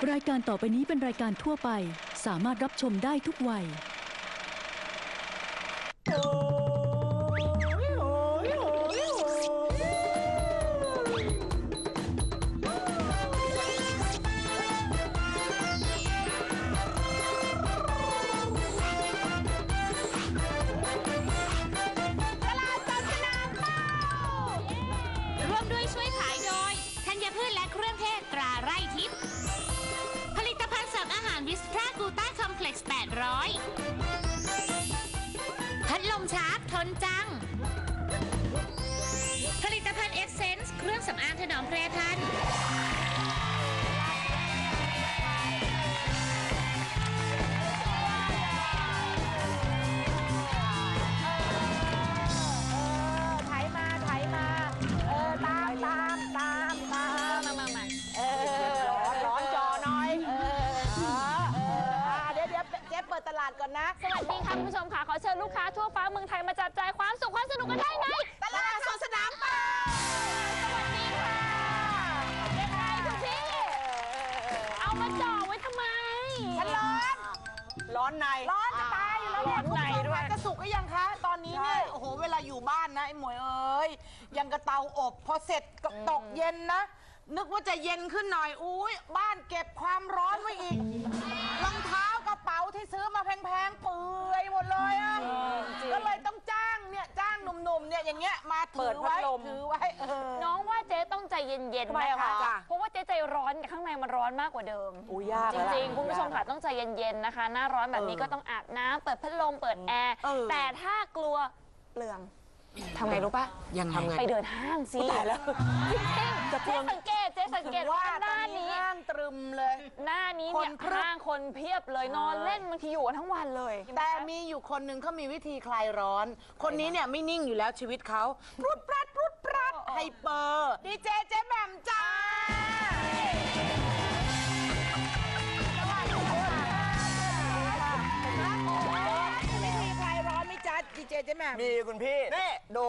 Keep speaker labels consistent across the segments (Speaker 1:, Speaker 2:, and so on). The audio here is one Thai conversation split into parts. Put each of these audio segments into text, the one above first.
Speaker 1: รายการต่อไปนี้เป็นรายการทั่วไปสามารถรับชมได้ทุกวัย
Speaker 2: พัดลมชาร์จทนจังผลิตภัณฑ์เอสเซนส์เครื่องสำอางถนอมแปรพันธุ์
Speaker 3: เปิดตลาดก่อนนะ
Speaker 4: สวัสดีค่ะคุณผู้ชมค่ะขอเชิญลูกค้าทั่วฟ้าเมืองไทยมาจับจ่ายความสุขความสนุกกันได้ใน
Speaker 3: ตลาดสดสนามเป้า
Speaker 4: สวัสดีค่ะยังไงคุณพี่เอามาจ่อไว้ทำไม
Speaker 3: ฉันร้อนในร้อนจะตายอยู่แล้วร้อนในด้วยจะสุกหรือยังคะตอนนี้เนี่ยโอ้โหเวลาอยู่บ้านนะไอ้หมวยเอ้ยยังกระเตาอบพอเสร็จก็ตกเย็นนะนึกว่าจะเย็นขึ้นหน่อยอุ้ยบ้านเก็บความร้อนไว้อีกรองเท้ากระเป๋าที่ซื้อมาแพงๆเปื่อยหมดเลยอ่ะก็เลยต้องจ้างหนุ่มๆเนี่ยอย่างเงี้ยมาถือไว้
Speaker 4: น้องว่าเจ๊ต้องใจเย็นๆนะคะเพราะว่าเจ๊ใจร้อนข้างในมันร้อนมากกว่าเดิมจริงๆคุณผู้ชมค่ะต้องใจเย็นๆนะคะหน้าร้อนแบบนี้ก็ต้องอาบน้ำเปิดพัดลมเปิดแอร์แต่ถ้ากลัวเปลืองทำไงรู้ป่ะ
Speaker 3: ยังไง
Speaker 4: ไปเดินห้างสิ
Speaker 3: ตายแล้ว
Speaker 4: เจ๊สังเกตว่าหน้านี้
Speaker 3: ห้างตรึมเลย
Speaker 4: หน้านี้เนี่ยห้างคนเพียบเลยนอนเล่นบางทีอยู่กันทั้งวันเลย
Speaker 3: แต่มีอยู่คนหนึ่งเขามีวิธีคลายร้อนคนนี้เนี่ยไม่นิ่งอยู่แล้วชีวิตเขาปรุดปรัดไฮเปอร์ดีเจเจ๊แหม่มจ้าดีเจเจ๊แหม่ม
Speaker 5: มีคุณพี่นี่ดู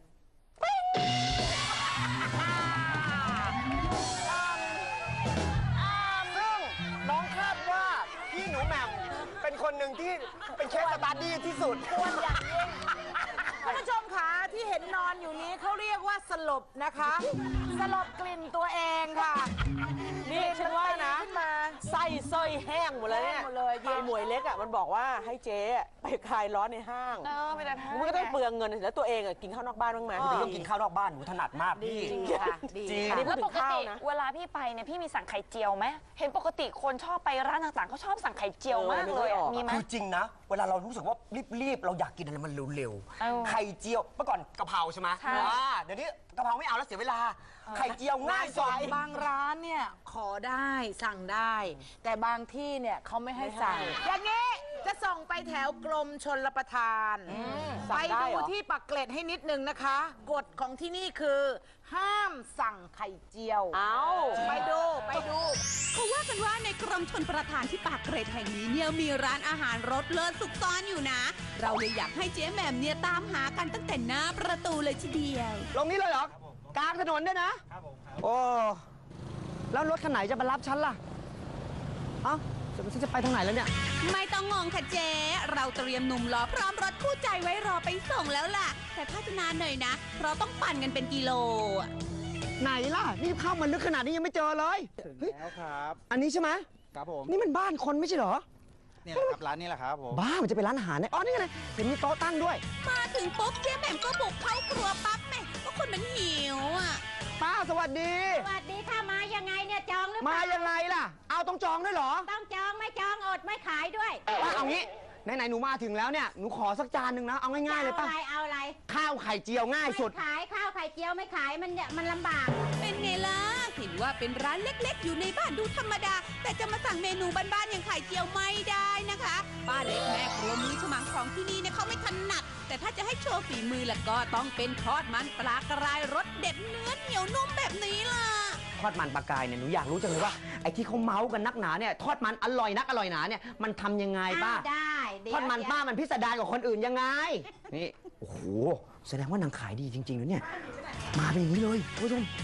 Speaker 5: ซึ่งน้องคาดว่าพี่หนูแหม่มเป็นคนหนึ่งที่เป็นเคสสตาร์ดี้ที่สุด
Speaker 3: ควรอย่างยิ่งคุณผู้ชมคะที่เห็นนอนอยู่นี้เขาเรียกว่าสลบนะคะสลบกลิ่นตัวเองค่ะ
Speaker 5: นี่ฉันว่านะไส้เส้ยแห้งหมดเลยเนี่ยยายหมวยเล็กอ่ะมันบอกว่าให้เจ๊ไปคลายร้อนในห้าง
Speaker 4: ไปเดินห้าง
Speaker 5: มันก็ต้องเปลืองเงินแล้วตัวเองอ่ะกินข้าวนอกบ้านบ้างไหม
Speaker 6: พี่ต้องกินข้าวนอกบ้านหนูถนัดมากพี่
Speaker 3: จริงค่ะจริง
Speaker 4: แล้วปกติเวลาพี่ไปเนี่ยพี่มีสั่งไข่เจียวไหมเห็นปกติคนชอบไปร้านต่างๆเขาชอบสั่งไข่เจียวมากเลยมีไหม
Speaker 6: คือจริงนะเวลาเรารู้สึกว่ารีบเราอยากกินอะไรมันเร็วๆไข่เจียวเมื่อก่อนกะเพราใช่ไหมเดี๋ยวนี้กะเพราไม่เอาแล้วเสียเวลาไข่เจียวง่ายสุด
Speaker 3: บางร้านเนี่ยขอได้สั่งได้แต่บางที่เนี่ยเขาไม่ให้สั่งอย่างนี้จะส่งไปแถวกรมชลประทานไปดูที่ปักเกร็ดให้นิดนึงนะคะกฎของที่นี่คือห้ามสั่งไข่เจียวไปดู
Speaker 7: เขาว่ากันว่าในกรมชลประทานที่ปากเกร็ดแห่งนี้เนี่ยมีร้านอาหารรสเลิศซุกซ่อนอยู่นะเราเลยอยากให้เจ๊แหม่มเนี่ยตามหากันตั้งแต่หน้าประตูเลยทีเดียว
Speaker 5: ลงนี้เลยเหรอกลางถนนด้วยนะครับผมโอ้แล้วรถคันไหนจะมารับฉันล่ะเอ้าฉันจะไปทางไหนแล้วเนี่ย
Speaker 7: ไม่ต้องงงค่ะเจ๊เราเตรียมหนุ่มหล่อพร้อมรถคู่ใจไว้รอไปส่งแล้วล่ะแต่ถ้าจะนานหน่อยนะเพราะต้องปั่นกันเป็นกิโล
Speaker 5: ไหนล่ะนี่เข้ามาลึกขนาดนี้ยังไม่เจอเลย
Speaker 8: ถึงแล้วครับ
Speaker 5: อันนี้ใช่ไหม
Speaker 8: ครับผม
Speaker 5: นี่มันบ้านคนไม่ใช่เหรอ
Speaker 8: เนี่ยครับร้านนี้แหละครับผม
Speaker 5: บ้ามันจะเป็นร้านอาหารเนี่ยอ๋อนี่ไงเห็นมีโต๊ะตั้งด้วย
Speaker 7: มาถึงปุ๊บเจ๊แหม่มก็บุกเข้าครัวปั๊บแม่ก็คนมันหิวอ่ะ
Speaker 5: ป้าสวัสดี
Speaker 9: สวัสดีค่ะมายังไงเนี่ยจองหรือเปล่า
Speaker 5: มายังไงล่ะเอาต้องจองด้วยเหรอ
Speaker 9: ต้องจองไม่จองอดไม่ขายด้วย
Speaker 5: ป้าเอางี้ไหนหนูมาถึงแล้วเนี่ยหนูขอสักจานหนึ่งนะเอาง่ายๆเลยป้า
Speaker 9: เอาอะไร
Speaker 5: ข้าวไข่เจียวง่ายสุด
Speaker 9: ขายข้าวไข่เจียวไม่ขายมันลำบาก
Speaker 7: เป็นไงล่ะเห็นว่าเป็นร้านเล็กๆอยู่ในบ้านดูธรรมดาแต่จะมาสั่งเมนูบ้านๆอย่างไข่เจียวไม่ได้นะคะป้าเล็กแม่ครัวมือฉมังของที่นี่เนี่ยเขาไม่ถนัดแต่ถ้าจะให้โชว์ฝีมือล่ะก็ต้องเป็นทอดมันปลากรายรสเด็ดเนื้อเหนียวนุ่มแบบนี้ล่ะ
Speaker 5: ทอดมันปลากรายเนี่ยหนูอยากรู้จังเลยว่าไอ้ที่เขาเมาส์กันนักหนาเนี่ยทอดมันอร่อยนักอร่อยหนาเนี่ยมันทำยังไงป้า
Speaker 9: ได้
Speaker 5: ทอดมันป้ามันพิสดารกว่าคนอื่นยังไงนี่โอ้โหแสดงว่านางขายดีจริงๆนะเนี่ยมาเป็นอย่างนี้เลยผู้ชม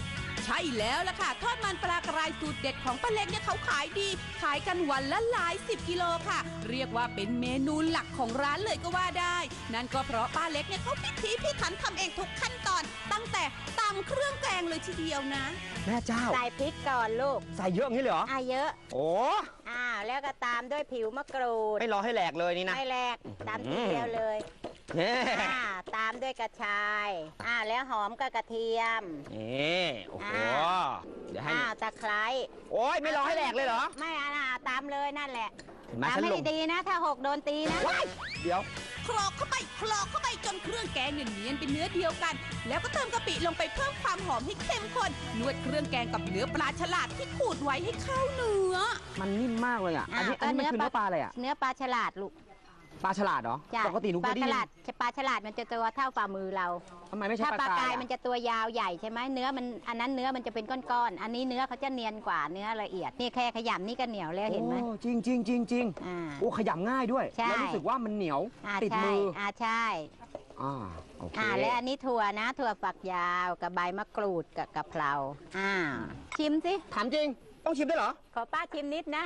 Speaker 7: ใช่แล้วล่ะค่ะทอดมันปลากรายสูตรเด็ดของป้าเล็กเนี่ยเขาขายดีขายกันวันละหลาย10 กิโลค่ะเรียกว่าเป็นเมนูหลักของร้านเลยก็ว่าได้นั่นก็เพราะป้าเล็กเนี่ยเขาพิถีพิถันทำเองทุกขั้นตอนตั้งแต่ตำเครื่องแกงเลยทีเดียวนะ
Speaker 5: แม่เจ้า
Speaker 9: ใส่พริกก่อนลูก
Speaker 5: ใส่เยอะอย่างนี้เลยเหรอ
Speaker 9: เยอะ
Speaker 5: โอ้
Speaker 9: แล้วก็ตามด้วยผิวมะกรูด
Speaker 5: ไม่รอให้แหลกเลยนี่นะ
Speaker 9: ไม่แหลกตามทีเดียวเลย
Speaker 5: เน่
Speaker 9: ตามด้วยกระชายแล้วหอมกับกระเทียม
Speaker 5: นี่โอ้โหเดี๋ยวให้
Speaker 9: ตะไคร้
Speaker 5: โอ้ยไม่รอให้แหลกเลยเหรอ
Speaker 9: ไม่ตามเลยนั่นแหละ
Speaker 5: เห็นไหม
Speaker 9: ตาม
Speaker 5: ฉัน
Speaker 9: ให้
Speaker 5: ลง
Speaker 9: ดีๆนะถ้าหกโดนตีนะ
Speaker 5: เดี๋ยว
Speaker 7: คลอกเข้าไปจนเครื่องแกงเนียนเป็นเนื้อเดียวกัน แล้วก็เติมกะปิลงไปเพิ่มความหอมให้เข้มข้นนวดเครื่องแกงกับเนื้อปลาฉลาดที่ขูดไว้ให้เข้าเนื้อ
Speaker 5: มันนิ่มมากเลยอ่ะอันนี้มันคือเนื้อปลาอะไรอ่ะ
Speaker 9: เนื้อปลาฉลาดลูก
Speaker 5: ปลาฉลาดเหรอ
Speaker 9: จ้ะ
Speaker 5: ปกติหนูเคยได้ยิน
Speaker 9: ปลาฉลาดมันจะตัวเท่าฝ่ามือเรา
Speaker 5: ทำไมไม่ใช่
Speaker 9: ถ้า
Speaker 5: ป
Speaker 9: ป
Speaker 5: ลา
Speaker 9: ลาก
Speaker 5: าย
Speaker 9: าย
Speaker 5: อะ
Speaker 9: มันจะตัวยาวใหญ่ใช่ไหมเนื้อมันอันนั้นเนื้อมันจะเป็นก้อนๆอันนี้เนื้อเขาจะเนียนกว่าเนื้อละเอียดนี่แค่ขยำนี่ก็เหนียวแล้วเห็นไหม
Speaker 5: โอ้จริงจริงจริงจริง
Speaker 9: อ่า
Speaker 5: โอ้ขยำง่ายด้วย
Speaker 9: ใช่
Speaker 5: แล้วรู้สึกว่ามันเหนียวติด
Speaker 9: ใช่
Speaker 5: มือ
Speaker 9: ใช่
Speaker 5: โอเค
Speaker 9: และอันนี้ถั่วนะถั่วฝักยาวกับใบมะกรูดกับกะเพราชิมสิ
Speaker 5: ถามจริงต้องชิมได้เหรอ
Speaker 9: ขอป้าชิมนิดนะ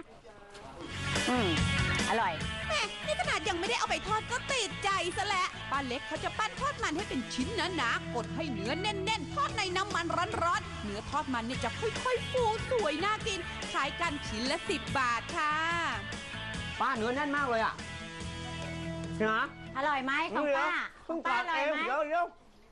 Speaker 9: อร่อย
Speaker 7: แม่นี่ขนาดยังไม่ได้เอาไปทอดก็ติดใจซะแล้วป้าเล็กเขาจะปั้นทอดมันให้เป็นชิ้นหนาๆกดให้เนื้อแน่นๆ ทอดในน้ำมันร้อนๆเนื้อทอดมันเนี่ยจะค่อยๆฟูสวยน่ากินขายกันชิ้นละ10 บาทค่ะ
Speaker 5: ป้าเนื้อแน่นมากเลยอ่ะใช่ไหม
Speaker 9: อร่อยไหมของป้า
Speaker 5: เพิ่ง
Speaker 9: ป้า
Speaker 5: ตั
Speaker 9: อก ร่อ
Speaker 5: เอย ง
Speaker 9: ไหม
Speaker 5: เดี๋ยว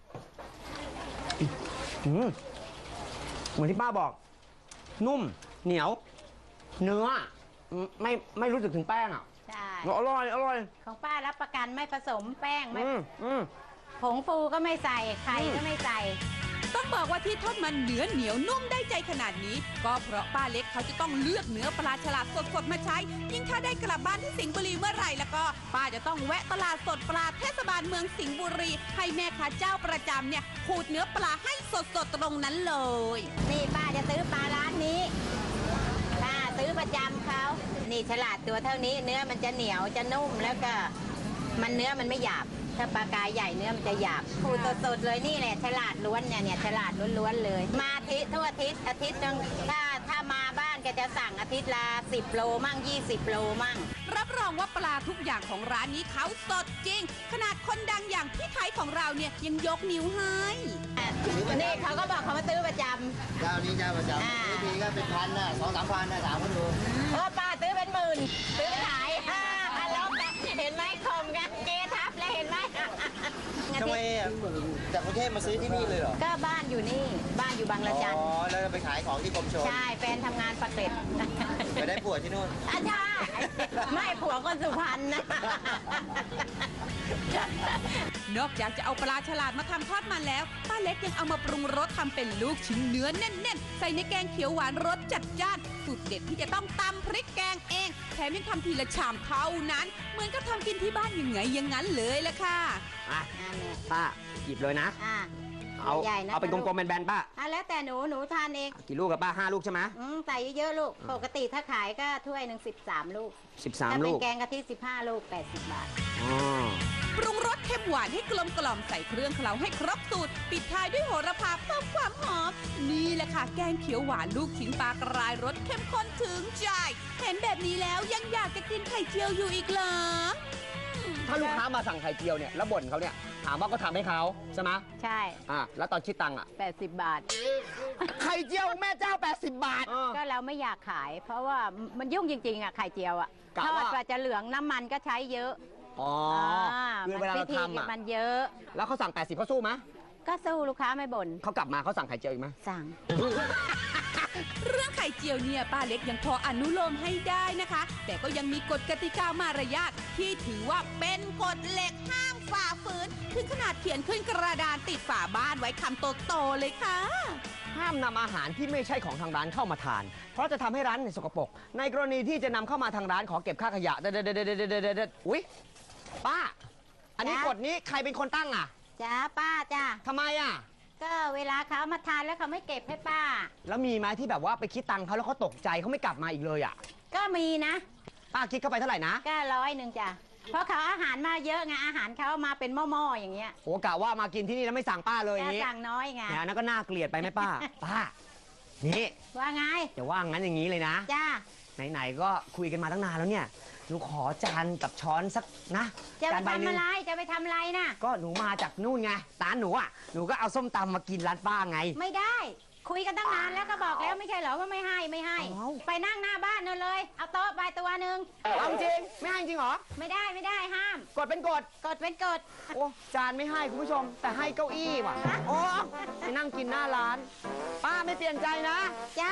Speaker 5: เหมือนที่ป้าบอก นุ่มเหนียว เนื้อไม่รู้สึกถึงแป้งอ่ะ
Speaker 9: ใช่
Speaker 5: อร่อย
Speaker 9: ของป้ารับประกันไม่ผสมแป้งไม่
Speaker 5: อืม
Speaker 9: ผงฟูก็ไม่ใส่ไข่ก็ไม่ใส่
Speaker 7: ต้องบอกว่าที่ทอดมันเนื้อเหนียวนุ่มได้ใจขนาดนี้ ก็เพราะป้าเล็กเขาจะต้องเลือกเนื้อปลาฉลาดสดๆมาใช้ ยิ่งถ้าได้กลับบ้านที่สิงห์บุรีเมื่อไหร่แล้วก็ป้าจะต้องแวะตลาดสดปลาเทศบาลเมืองสิงห์บุรี ให้แม่ค้าเจ้าประจำเนี่ยขูดเนื้อปลาให้สดๆตรงนั้นเลย
Speaker 9: นี่ป้าจะซื้อปลาร้านนี้ป้าซื้อประจำเขานี่ฉลาดตัวเท่านี้ เนื้อมันจะเหนียวจะนุ่มแล้วก็เนื้อมันไม่หยาบถ้าปลากายใหญ่เนื้อมันจะหยาบขูดสดๆเลยนี่แหละฉลาดล้วนเนี่ยฉลาดล้วนๆเลย มาทั่วอาทิตย์นึงถ้ามาบ้านแกจะสั่งอาทิตย์ละ10 โลมั่ง20 โลมั่ง
Speaker 7: รับรองว่าปลาทุกอย่างของร้านนี้เขาสดจริง ขนาดคนดังอย่างพี่ไทยของเราเนี่ยยังยกนิ้วให้
Speaker 9: นี่เขาก็บอกเขามาซื้อประจำ
Speaker 8: เจ้านี้เจ้าประจำทีก็เป็นพันน่ะ2-3 พันน่ะถามคนดู
Speaker 9: ป้าซื้อเป็นหมื่นซื้อขายแล้วกันเห็นไหมคมกันเกทับแล้วเห็นไหม
Speaker 8: ทำไมจากกรุงเทพมาซื้อที่นี่เลยเหรอ
Speaker 9: ก็บ้านอยู่นี่บ้านอยู่บางระจัน
Speaker 8: แล้วไปขายของที่กรมชล
Speaker 9: ใช่แฟนทำงานปากเกร็ด
Speaker 8: ไปได้ผัวที่นู่น
Speaker 9: ใช่ไม่ผัวคนสุพรรณนะ
Speaker 7: นอกจากจะเอาปลาฉลาดมาทำทอดมันแล้วป้าเล็กยังเอามาปรุงรสทำเป็นลูกชิ้นเนื้อแน่นๆ ใส่ในแกงเขียวหวานรสจัดจ้านสูตรเด็ดที่จะต้องตำพริกแกงเองแถมยังทำทีละชามเท่านั้น เหมือนกับทำกินที่บ้านยังไงอย่างนั้นเลยละค่ะ
Speaker 5: ป้าหยิบเลยนะ เอา
Speaker 9: ใหญ่ๆนะ
Speaker 5: เอาเป็นกลมๆแบนๆป้า
Speaker 9: แล้วแต่หนูทานเอง
Speaker 5: กี่ลูกกับป้า5 ลูกใช่ไหม
Speaker 9: ใส่เยอะๆลูกปกติถ้าขายก็ถ้วยหนึ่ง13 ลูกถ้า
Speaker 5: 13
Speaker 9: เป็
Speaker 5: ลู
Speaker 9: น
Speaker 5: ก
Speaker 9: แกงกะทิ15 ลูก80 บาท
Speaker 5: อ๋อ
Speaker 7: ปรุงรสเค็มหวานให้กลมกล่อมใส่เครื่องเคล้าให้ครบสูตร ปิดท้ายด้วยโหระพาเพิ่มความหอม นี่แหละค่ะแกงเขียวหวานลูกชิ้นปลากรายรสเข้มข้นถึงใจ เห็นแบบนี้แล้วยังอยากจะกินไข่เจียวอยู่อีกเหรอ
Speaker 5: ถ้าลูกค้ามาสั่งไข่เจียวเนี่ยแล้วบ่นเขาเนี่ยถามว่าก็ทำให้เขาใช่ไหม
Speaker 9: ใช่
Speaker 5: แล้วตอนคิดตังค์อ่ะ
Speaker 9: 80 บาท
Speaker 5: ไข่เจียวแม่เจ้า80 บาท
Speaker 9: ก็เราไม่อยากขาย เพราะว่ามันยุ่งจริงๆไข่เจียว
Speaker 5: กะ
Speaker 9: ทอ
Speaker 5: ว่า
Speaker 9: ดกว่าจะเหลืองน้ำมันก็ใช้เยอะ
Speaker 5: อ๋อคือเวลาเราทำอ่ะ
Speaker 9: มันเยอะ
Speaker 5: แล้วเขาสั่ง80เขาสู้ไหม
Speaker 9: ก็สู้ลูกค้าไม่บ่น
Speaker 5: เขากลับมาเขาสั่งไข่เจียวอีกไหม
Speaker 9: สั่ง
Speaker 7: เรื่องไข่เจียวเนี่ยป้าเล็กยังพออนุโลมให้ได้นะคะ แต่ก็ยังมีกฎกติกามารยาทที่ถือว่าเป็นกฎเหล็กห้ามฝ่าฝืนถึงขนาดเขียนขึ้นกระดานติดฝาบ้านไว้คำโตๆเลยค่ะ
Speaker 5: ห้ามนำอาหารที่ไม่ใช่ของทางร้านเข้ามาทาน เพราะจะทำให้ร้านสกปรกในกรณีที่จะนำเข้ามาทางร้านขอเก็บค่าขยะอุ๊ยป้า อันนี้
Speaker 9: จ๊ะ
Speaker 5: กฎนี้ใครเป็นคนตั้งอ่ะ
Speaker 9: จ้าป้าจ้า
Speaker 5: ทำไมอ่ะ
Speaker 9: ก็เวลาเขามาทานแล้วเขาไม่เก็บให้ป้า
Speaker 5: แล้วมีไหมที่แบบว่าไปคิดตังค์เขาแล้วเขาตกใจเขาไม่กลับมาอีกเลยอ่ะ
Speaker 9: ก็มีนะ
Speaker 5: ป้าคิดเข้าไปเท่าไหร่นะ
Speaker 9: ก็100จ้ะเพราะเขาอาหารมาเยอะไงอาหารเขามาเป็นหม้อๆอย่างเงี้ย
Speaker 5: โอ้กะว่ามากินที่นี่แล้วไม่สั่งป้าเลยอ
Speaker 9: ก็
Speaker 5: ย่างนี้
Speaker 9: สั่งน้อยไง
Speaker 5: เนี่ยนั่นก็น่าเกลียดไปไหมป้า ป้านี่
Speaker 9: ว่าไง
Speaker 5: จะว่างั้นอย่างนี้เลยนะ
Speaker 9: จ้า
Speaker 5: ไหนๆก็คุยกันมาตั้งนานแล้วเนี่ยหนูขอจานกับช้อนสักนะ
Speaker 9: จะไป
Speaker 5: จานใบหนึ่
Speaker 9: ทำ
Speaker 5: ง
Speaker 9: อะไร จะไปทำอะไรน่ะ
Speaker 5: ก็หนูมาจากนู่นไงร้านหนูอ่ะหนูก็เอาส้มตำมากินร้านป้าไง
Speaker 9: ไม่ได้ คุยกันตั้งนานแล้วก็บอกแล้วไม่ใช่เหรอว่าไม่ให้ไม่ให้
Speaker 5: เอ้า
Speaker 9: ไปนั่งหน้าบ้านนั่นเลย เอาโต๊ะไปตัวหนึ่ง
Speaker 5: เอาจริงไม่ให้จริงเหรอ
Speaker 9: ไม่ได้ห้าม
Speaker 5: กดเป็นกด
Speaker 9: กดเป็นกด
Speaker 5: โอ้จานไม่ให้คุณผู้ชม แต่ให้เก้าอี้ว่ะโอ้ไปนั่งกินหน้าร้าน ป้าไม่เปลี่ยนใจนะ
Speaker 9: จ้า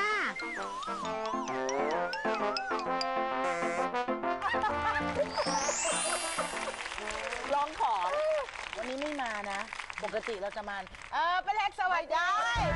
Speaker 3: ลองของวันนี้ไม่มานะ ปกติเราจะมาป้าเล็กสวัสดี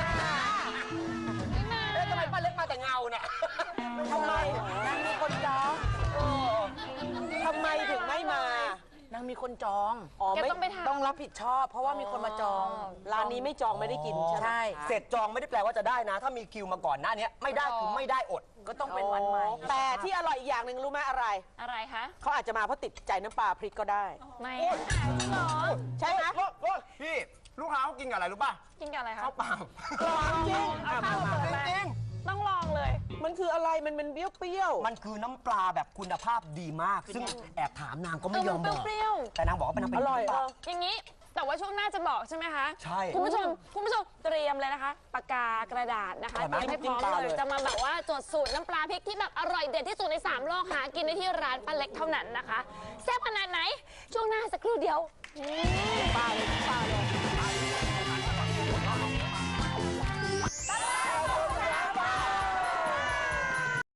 Speaker 6: ทำไมป้าเล็กมาแต่เงาเนี่ย
Speaker 3: ทำไมนางมีคนจองทำไมถึงไม่มานางมีคนจอง
Speaker 4: แกต้องไปถาม
Speaker 3: ต้องรับผิดชอบ เพราะว่ามีคนมาจอง ร้านนี้ไม่จองไม่ได้กินใช่
Speaker 6: เสร็จจองไม่ได้แปลว่าจะได้นะ ถ้ามีคิวมาก่อนหน้านี้ไม่ได้คือไม่ได้อด
Speaker 3: ก็ต้องเป็นวันใหม่แต่ที่อร่อยอีกอย่างหนึ่งรู้ไหมอะไร
Speaker 4: อะไรคะ
Speaker 3: เขาอาจจะมาเพราะติดใจน้ำปลาพริกก็ได้
Speaker 4: ไม่จริงเหรอ
Speaker 3: ใช่ไหม
Speaker 6: พี่ลูกค้าเขากินกับอะไรรู้ป่ะ
Speaker 4: กินกับอะไรคะ
Speaker 6: ข้าวเปล่า
Speaker 3: จริง
Speaker 4: เอาข้าวมาเลย
Speaker 6: จริง
Speaker 4: ต้องลองเลย
Speaker 3: มันคืออะไรมันเป็นเปรี้ยว
Speaker 6: มันคือน้ำปลาแบบคุณภาพดีมาก ซึ่งแอบถามนางก็ไม่ยอมบอก
Speaker 4: เปรี้ยว
Speaker 6: แต่นางบอกว่าเป็นน้ำป
Speaker 3: อ
Speaker 6: ลา
Speaker 3: ร่อย
Speaker 4: อย่างนี้ แต่ว่าช่วงหน้าจะบอกใช่ไหมคะ
Speaker 6: ใช่
Speaker 4: คุณผู้ชมเตรียมเลยนะคะ ปากกากระดาษนะคะ
Speaker 6: อร่อยไหม
Speaker 4: เตรียมให้พร้อมเลย จะมาแบบว่าจดสูตรน้ำปลาพริกที่แบบอร่อยเด็ดที่สุดใน3โลกหากินได้ที่ร้านป้าเล็กเท่านั้นนะคะแซ่บขนาดไหน ช่วงหน้าสักครู่เดียว
Speaker 3: ปลาเลย